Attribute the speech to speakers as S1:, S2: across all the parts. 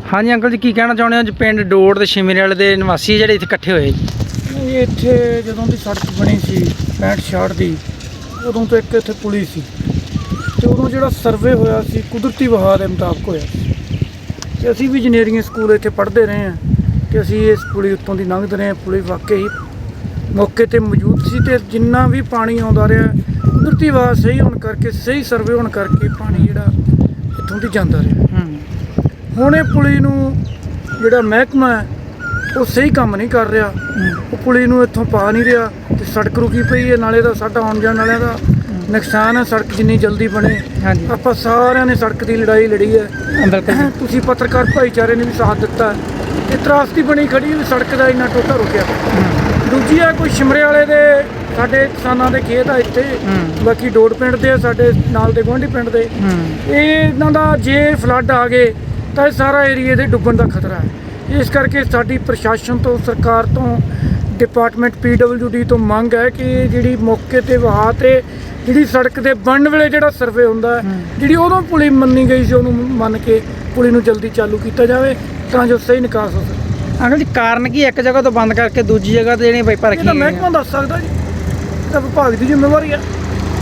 S1: हाँ जी अंकल जी की कहना चाਹੁंदे हो जी पिंड डोड़ ते शिमरे वाले दे निवासी ਜਿਹੜੇ ਇੱਥੇ ਇਕੱਠੇ ਹੋਏ
S2: ਇਹ ਇੱਥੇ ਜਦੋਂ ਦੀ ਸੜਕ ਬਣੀ ਸੀ 65 ਦੀ ਉਦੋਂ ਤੋਂ ਇੱਕ ਇੱਥੇ ਪੁਲੀ ਸੀ ਤੇ ਉਦੋਂ ਜਿਹੜਾ ਸਰਵੇ ਹੋਇਆ ਸੀ ਕੁਦਰਤੀ ਵਹਾਅ ਦੇ ਮੁਤਾਬਕ ਹੋਇਆ ਸੀ ਤੇ ਅਸੀਂ ਵੀ ਇੰਜੀਨੀਅਰਿੰਗ ਸਕੂਲ ਇੱਥੇ ਪੜ੍ਹਦੇ ਰਹੇ ਹਾਂ ਤੇ ਅਸੀਂ ਇਸ ਪੁਲੀ ਉੱਤੋਂ ਦੀ ਲੰਘਦੇ ਰਹੇ ਪੁਲੀ ਵਾਕਈ ਮੌਕੇ ਤੇ ਮੌਜੂਦ ਸੀ ਤੇ ਜਿੰਨਾ ਵੀ ਪਾਣੀ ਆਉਂਦਾ ਰਿਹਾ ਕੁਦਰਤੀ ਵਹਾਅ ਸਹੀ ਹੋਣ ਕਰਕੇ ਸਹੀ ਸਰਵੇ ਹੋਣ ਕਰਕੇ ਪਾਣੀ ਜਿਹੜਾ ਇੱਥੋਂ ਦੀ ਜਾਂਦਾ ਰਿਹਾ ਹੁਣ ਇਹ ਪੁਲੀ ਨੂੰ ਜਿਹੜਾ ਮਹਿਕਮਾ ਹੈ ਉਹ ਸਹੀ ਕੰਮ ਨਹੀਂ ਕਰ ਰਿਹਾ ਉਹ ਪੁਲੀ ਨੂੰ ਇੱਥੋਂ ਪਾ ਨਹੀਂ ਰਿਹਾ ਤੇ ਸੜਕ ਰੁਕੀ ਪਈ ਹੈ ਨਾਲੇ ਦਾ ਸਾਡਾ ਆਉਣ ਜਾਣ ਵਾਲਿਆਂ ਦਾ ਨੁਕਸਾਨ ਹੈ ਸੜਕ ਜਿੰਨੀ ਜਲਦੀ ਬਣੇ ਆਪਾਂ ਸਾਰਿਆਂ ਨੇ ਸੜਕ ਦੀ ਲੜਾਈ ਲੜੀ ਹੈ ਤੁਸੀਂ ਪੱਤਰਕਾਰ ਭਾਈਚਾਰੇ ਨੇ ਵੀ ਸਾਥ ਦਿੱਤਾ ਇਹ ਤਰਾਸਦੀ ਬਣੀ ਖੜੀ ਵੀ ਸੜਕ ਦਾ ਇੰਨਾ ਟੋਟਾ ਰੁਕਿਆ ਦੂਜੀ ਹੈ ਕੋਈ ਸ਼ਿਮਰੇ ਵਾਲੇ ਦੇ ਸਾਡੇ ਕਿਸਾਨਾਂ ਦੇ ਖੇਤ ਆ ਇੱਥੇ ਬਾਕੀ ਡੋੜ ਪਿੰਡ ਦੇ ਸਾਡੇ ਨਾਲ ਦੇ ਗੁਆਂਢੀ ਪਿੰਡ ਦੇ ਇਹ ਇਹਨਾਂ ਦਾ ਜੇ ਫਲੱਡ ਆ ਗਏ ਤਾਂ ਇਹ ਸਾਰਾ ਏਰੀਏ ਦੇ ਡੁੱਬਣ ਦਾ ਖਤਰਾ ਹੈ ਇਸ ਕਰਕੇ ਸਾਡੀ ਪ੍ਰਸ਼ਾਸਨ ਤੋਂ ਸਰਕਾਰ ਤੋਂ ਡਿਪਾਰਟਮੈਂਟ PWD ਤੋਂ ਮੰਗ ਹੈ ਕਿ ਜਿਹੜੀ ਮੌਕੇ ਤੇ ਵਹਾਅ ਤੇ ਜਿਹੜੀ ਸੜਕ ਦੇ ਬਣਨ ਵੇਲੇ ਜਿਹੜਾ ਸਰਵੇ ਹੁੰਦਾ ਜਿਹੜੀ ਉਦੋਂ ਪੁਲੀ ਮੰਨੀ ਗਈ ਸੀ ਉਹਨੂੰ ਮੰਨ ਕੇ ਪੁਲੀ ਨੂੰ ਜਲਦੀ ਚਾਲੂ ਕੀਤਾ ਜਾਵੇ ਤਾਂ ਜੋ ਸਹੀ ਨਿਕਾਸ ਹੋ ਸਕੇ।
S1: ਅੰਕਲ ਜੀ ਕਾਰਨ ਕੀ ਇੱਕ ਜਗ੍ਹਾ ਤੋਂ ਬੰਦ ਕਰਕੇ ਦੂਜੀ ਜਗ੍ਹਾ ਤੇ ਜਿਹੜੀਆਂ ਪਾਈਪਾਂ ਰੱਖੀਆਂ
S2: ਮਹਿਕਮਾ ਦੱਸ ਸਕਦਾ ਜੀ ਇਹ ਤਾਂ ਵਿਭਾਗ ਦੀ ਜ਼ਿੰਮੇਵਾਰੀ ਹੈ।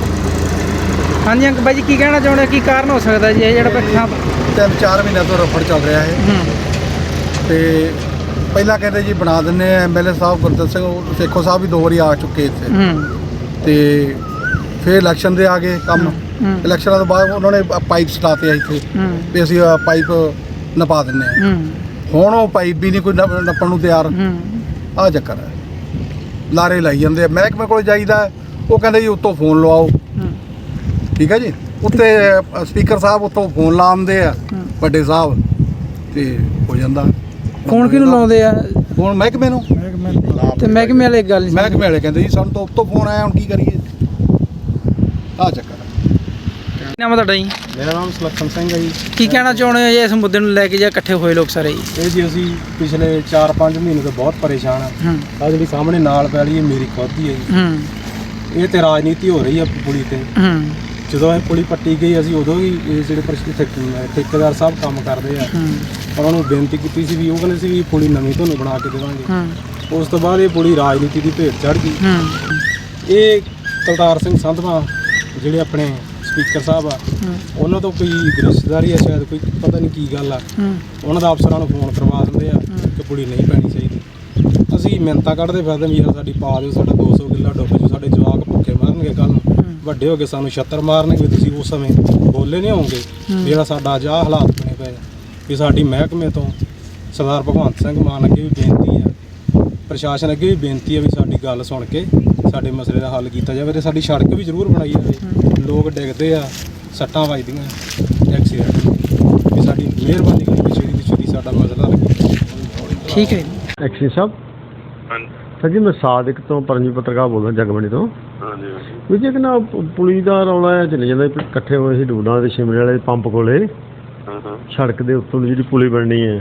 S1: ਹਾਂਜੀ ਅੰਕਲ ਬਾਈ ਜੀ ਕੀ ਕਹਿਣਾ ਚਾਹੁੰਦੇ ਕੀ ਕਾਰਨ ਹੋ ਸਕਦਾ ਜੀ ਇਹ ਜਿਹੜਾ ਪੱਖਾਂ
S3: 3-4 ਮਹੀਨਿਆਂ ਤੋਂ ਰਫੜ ਚੱਲ ਰਿਹਾ ਹੈ ਤੇ ਪਹਿਲਾਂ ਕਹਿੰਦੇ ਜੀ ਬਣਾ ਦਿੰਦੇ ਆ MLA ਸਾਹਿਬ ਗੁਰਦਤ ਸਿੰਘ ਸੇਖੋ ਸਾਹਿਬ ਵੀ 2 ਵਾਰੀ ਆ ਚੁੱਕੇ ਇੱਥੇ ਤੇ ਫਿਰ ਇਲੈਕਸ਼ਨ ਦੇ ਆ ਗਏ ਕੰਮ ਇਲੈਕਸ਼ਨਾਂ ਤੋਂ ਬਾਅਦ ਉਹਨਾਂ ਨੇ ਪਾਈਪ ਸਟਾਤੇ ਆ ਇੱਥੇ ਵੀ ਅਸੀਂ ਪਾਈਪ ਨਪਾ ਦਿੰਦੇ ਆ ਹੁਣ ਉਹ ਪਾਈਪ ਵੀ ਨਹੀਂ ਕੋਈ ਨੱਪਣ ਨੂੰ ਤਿਆਰ ਆਹ ਚੱਕਰ ਹੈ ਲਾਰੇ ਲਾਈ ਜਾਂਦੇ ਆ ਮਹਿਕਮੇ ਕੋਲ ਜਾਈਦਾ ਉਹ ਕਹਿੰਦੇ ਜੀ ਉੱਤੋਂ ਫੋਨ ਲਵਾਓ ਠੀਕ ਹੈ ਜੀ ਉੱਤੇ ਸਪੀਕਰ ਸਾਹਿਬ ਉੱਤੋਂ ਫੋਨ ਲਾਉਂਦੇ ਆ ਵੱਡੇ ਸਾਹਿਬ ਤੇ ਹੋ ਜਾਂਦਾ
S1: ਫੋਨ ਕਿਹਨੂੰ ਲਾਉਂਦੇ ਆ
S3: ਫੋਨ ਮਹਿਕਮੇ ਨੂੰ
S1: ਤੇ ਮਹਿਕਮੇ ਵਾਲੇ ਗੱਲ ਨਹੀਂ
S3: ਮਹਿਕਮੇ ਵਾਲੇ ਕਹਿੰਦੇ ਜੀ ਸਾਨੂੰ ਤਾਂ ਉੱਤੋਂ ਫੋਨ ਆਇਆ ਹੁਣ ਕੀ ਕਰੀਏ ਆਹ ਚੱਕਰ
S1: ਕੀ ਨਾਮ ਹੈ ਤੁਹਾਡਾ ਜੀ?
S4: ਮੇਰਾ ਨਾਮ ਸੁਲੱਖਣ ਸਿੰਘ ਹੈ ਜੀ।
S1: ਕੀ ਕਹਿਣਾ ਚਾਹੁੰਦੇ ਹੋ ਜੀ ਇਸ ਮੁੱਦੇ ਨੂੰ ਲੈ ਕੇ ਜਾਂ ਇਕੱਠੇ ਹੋਏ ਲੋਕ ਸਾਰੇ ਜੀ?
S4: ਇਹ ਜੀ ਅਸੀਂ ਪਿਛਲੇ 4-5 ਮਹੀਨੇ ਤੋਂ ਬਹੁਤ ਪਰੇਸ਼ਾਨ ਆ ਆਹ ਜਿਹੜੀ ਸਾਹਮਣੇ ਨਾਲ ਪੈ ਰਹੀ ਹੈ ਮੇਰੀ ਖੁਦ ਦੀ ਹੈ ਜੀ ਇਹ ਤੇ ਰਾਜਨੀਤੀ ਹੋ ਰਹੀ ਹੈ ਪੁਲੀ ਤੇ ਜਦੋਂ ਇਹ ਪੁਲੀ ਪੱਟੀ ਗਈ ਅਸੀਂ ਉਦੋਂ ਹੀ ਇਹ ਜਿਹੜੇ ਠੇਕੇਦਾਰ ਸਾਹਿਬ ਕੰਮ ਕਰਦੇ ਆ ਉਹਨਾਂ ਨੂੰ ਬੇਨਤੀ ਕੀਤੀ ਸੀ ਵੀ ਉਹ ਕਹਿੰਦੇ ਸੀ ਵੀ ਪੁਲੀ ਨਵੀਂ ਤੁਹਾਨੂੰ ਬਣਾ ਕੇ ਦੇਵਾਂਗੇ ਉਸ ਤੋਂ ਬਾਅਦ ਇਹ ਪੁਲੀ ਰਾਜਨੀਤੀ ਦੀ ਭੇਟ ਚੜ੍ਹ ਗਈ ਇਹ ਕੁਲਤਾਰ ਸਿੰਘ ਸੰਧਵਾ ਜਿਹੜੇ ਆਪਣੇ ਸਪੀਕਰ ਸਾਹਿਬ ਆ ਉਹਨਾਂ ਤੋਂ ਕੋਈ ਰਿਸ਼ਤੇਦਾਰੀ ਆ ਸ਼ਾਇਦ ਕੋਈ ਪਤਾ ਨਹੀਂ ਕੀ ਗੱਲ ਆ ਉਹਨਾਂ ਦਾ ਅਫਸਰਾਂ ਨੂੰ ਫੋਨ ਕਰਵਾ ਦਿੰਦੇ ਆ ਕਿ ਪੁਲੀ ਨਹੀਂ ਪੈਣੀ ਚਾਹੀਦੀ ਅਸੀਂ ਮਿਹਨਤਾਂ ਕੱਢਦੇ ਫਿਰਦੇ ਵੀ ਯਾਰ ਸਾਡੀ ਪਾ ਦਿਓ ਸਾਡਾ 200 ਕਿੱਲਾ ਡੁੱਬ ਜੂ ਸਾਡੇ ਜਵਾਕ ਭੁੱਖੇ ਮਰਨਗੇ ਕੱਲ੍ਹ ਨੂੰ ਵੱਡੇ ਹੋ ਕੇ ਸਾਨੂੰ ਛੱਤਰ ਮਾਰਨਗੇ ਵੀ ਤੁਸੀਂ ਉਸ ਸਮੇਂ ਬੋਲੇ ਨਹੀਂ ਹੋਵੋਗੇ ਜਿਹੜਾ ਸਾਡਾ ਅੱਜ ਆਹ ਹਾਲਾਤ ਬਣੇ ਪਏ ਵੀ ਸਾਡੀ ਮਹਿਕਮੇ ਤੋਂ ਸਰਦਾਰ ਭਗਵੰਤ ਸਿੰਘ ਮਾਨ ਅੱਗੇ ਵੀ ਬੇਨਤੀ ਆ ਪ੍ਰਸ਼ਾਸਨ ਅੱਗੇ ਵੀ ਬੇਨਤੀ ਆ ਵੀ ਸਾਡੀ ਗੱਲ ਸੁਣ ਕੇ ਸਾਡੇ ਮਸਲੇ ਦਾ ਹੱਲ ਕੀਤਾ ਜਾਵੇ ਤੇ ਸਾਡੀ ਸੜਕ ਵੀ ਜ਼ਰੂਰ ਬਣਾਈ ਜਾਵੇ ਲੋਕ ਡਿੱਗਦੇ ਆ ਸੱਟਾਂ ਵੱਜਦੀਆਂ ਐਕਸੀਡੈਂਟ ਵੀ ਸਾਡੀ ਮਿਹਰਬਾਨੀ ਕਰਕੇ ਛੇਤੀ ਸਾਡਾ ਮਸਲਾ ਲੱਗੇ
S1: ਠੀਕ ਹੈ
S5: ਐਕਸ਼ਨ ਸਾਹਿਬ ਸਰ ਜੀ ਮੈਂ ਸਾਦਿਕ ਤੋਂ ਪਰਮਜੀਤ ਪੱਤਰਕਾਰ ਬੋਲਦਾ ਜਗਮਣੀ ਤੋਂ ਵੀ ਜੇ ਕਿ ਨਾ ਪੁਲੀ ਦਾ ਰੌਲਾ ਚੱਲ ਜਾਂਦਾ ਇਕੱਠੇ ਹੋਏ ਸੀ ਡੂਡਾਂ ਦੇ ਸ਼ਿਮਲੇ ਵਾਲੇ ਪੰਪ ਕੋਲੇ ਸੜਕ ਦੇ ਉੱਤੋਂ ਜਿਹੜੀ ਪੁਲੀ ਬਣਨੀ ਹੈ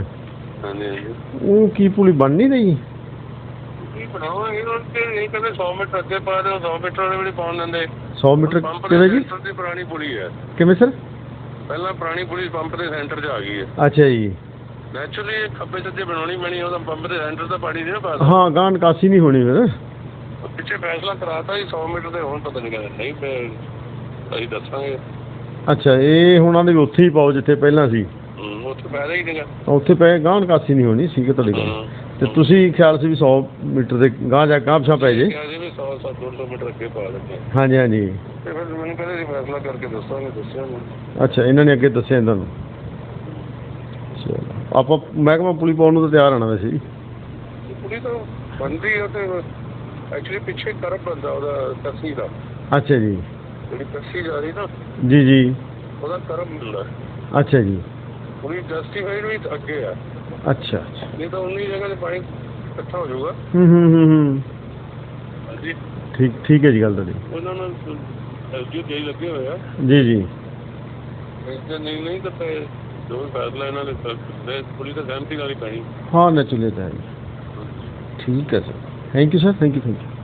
S5: ਉਹ ਕੀ ਪੁਲੀ ਬਣ ਨਹੀਂ ਰਹੀ
S6: ਬਣਾਵਾਂਗੇ ਇਹ ਕਹਿੰਦੇ 100 ਮੀਟਰ ਅੱਗੇ ਪਾ ਦਿਓ 100 ਮੀਟਰ ਵਾਲੀ ਪਾਉਣ ਲੈਂਦੇ
S5: 100 ਮੀਟਰ ਕਿਵੇਂ ਜੀ
S6: ਪੁਰਾਣੀ ਪੁਲੀ ਹੈ
S5: ਕਿਵੇਂ ਸਰ
S6: ਪਹਿਲਾਂ ਪੁਰਾਣੀ ਪੁਲੀ ਪੰਪ ਦੇ ਸੈਂਟਰ 'ਚ ਆ ਗਈ ਹੈ
S5: ਅੱਛਾ ਜੀ
S6: ਨੈਚੁਰਲੀ ਖੱਬੇ ਸੱਜੇ ਬਣਾਉਣੀ ਪੈਣੀ ਉਹਦਾ ਪੰਪ ਦੇ ਸੈਂਟਰ ਦਾ ਪਾਣੀ ਨਹੀਂ ਨਾ ਪਾ
S5: ਹਾਂ ਗਾਂ ਨਿਕਾਸੀ ਨਹੀਂ ਹੋਣੀ ਫਿਰ
S6: ਪਿੱਛੇ ਫੈਸਲਾ ਕਰਾਤਾ ਜੀ 100 ਮੀਟਰ ਦੇ ਹੁਣ ਪਤਾ ਨਹੀਂ ਕਹਿੰਦੇ ਨਹੀਂ ਅਸੀਂ ਦੱਸਾਂਗੇ
S5: ਅੱਛਾ ਇਹ ਹੁਣ ਆਂਦੇ ਉੱਥੇ ਹੀ ਪਾਓ ਜਿੱਥੇ ਪਹਿਲਾਂ ਸੀ
S6: ਉੱਥੇ ਪੈਦਾ ਹੀ ਨਹੀਂਗਾ
S5: ਉੱਥੇ ਪਏ ਗਾਂ ਨਿਕਾਸੀ ਨਹੀਂ ਹੋਣੀ ਠੀਕ ਹੈ ਤੁਹਾਡੀ ਗੱਲ ਤੇ ਤੁਸੀਂ ਖਿਆਲ ਸੀ ਵੀ 100 ਮੀਟਰ ਦੇ ਗਾਂ ਜਾ ਗਾਂ ਪਿਛਾਂ ਪੈ ਜੇ
S6: 100-200 ਮੀਟਰ ਅੱਗੇ ਪਾ ਦਿੰਦੇ
S5: ਹਾਂਜੀ ਹਾਂਜੀ
S6: ਤੇ ਫਿਰ ਮੈਨੂੰ ਕਹਿੰਦੇ ਫੈਸਲਾ ਕਰਕੇ ਦੱਸਾਂਗੇ ਦੱਸਿਆ ਨਹੀਂ
S5: ਅੱਛਾ ਇਹਨਾਂ ਨੇ ਅੱਗੇ ਦੱਸਿਆ ਇਹਨਾਂ ਨੂੰ ਚਲੋ ਆਪਾਂ ਮਹਿਕਮਾ ਪੁਲੀ ਪਾਉਣ ਨੂੰ ਤਾਂ ਤਿਆਰ ਆਣਾ ਵੈਸੇ ਜੀ
S6: ਪੁਲੀ ਤਾਂ ਬਣਦੀ ਹੈ ਤੇ ਐਕਚੁਅਲੀ ਪਿੱਛੇ ਕਰਬ ਬੰਦਾ ਉਹਦਾ ਤਸੀ ਦਾ
S5: ਅੱਛਾ ਜੀ
S6: ਜਿਹੜੀ ਤਸੀ ਜਾ ਰਹੀ ਨਾ
S5: ਜੀ ਜੀ
S6: ਉਹਦਾ ਕਰਬ ਮਿਲਦਾ
S5: ਅੱਛਾ ਜੀ
S6: ਪੁਲੀ ਜਸਟੀਫਾਈਡ ਵੀ ਅੱਗੇ ਆ
S5: ਅੱਛਾ
S6: ਨਹੀਂ ਤਾਂ 19 ਜਗ੍ਹਾ 'ਤੇ ਪਾਣੀ ਇਕੱਠਾ ਹੋ ਜਾਊਗਾ ਹਾਂਜੀ
S5: ਠੀਕ ਹੈ ਜੀ ਗੱਲ ਤੁਹਾਡੀ
S6: ਉਹਨਾਂ ਨੂੰ ਐਸਡੀਓ ਦੇ ਲੱਗੇ ਹੋਏ ਆ
S5: ਜੀ ਜੀ
S6: ਨਹੀਂ ਤਾਂ ਜੋ ਵੀ ਫੈਸਲਾ ਇਹਨਾਂ ਨੇ ਪੁਲਿਸ ਤਾਂ ਸਹਿਮਤੀ ਨਾਲ ਹੀ ਪੈਣੀ
S5: ਹਾਂ ਨੈਚੁਰਲੀ ਤਾਂ ਹੈ ਠੀਕ ਹੈ sir thank you sir thank you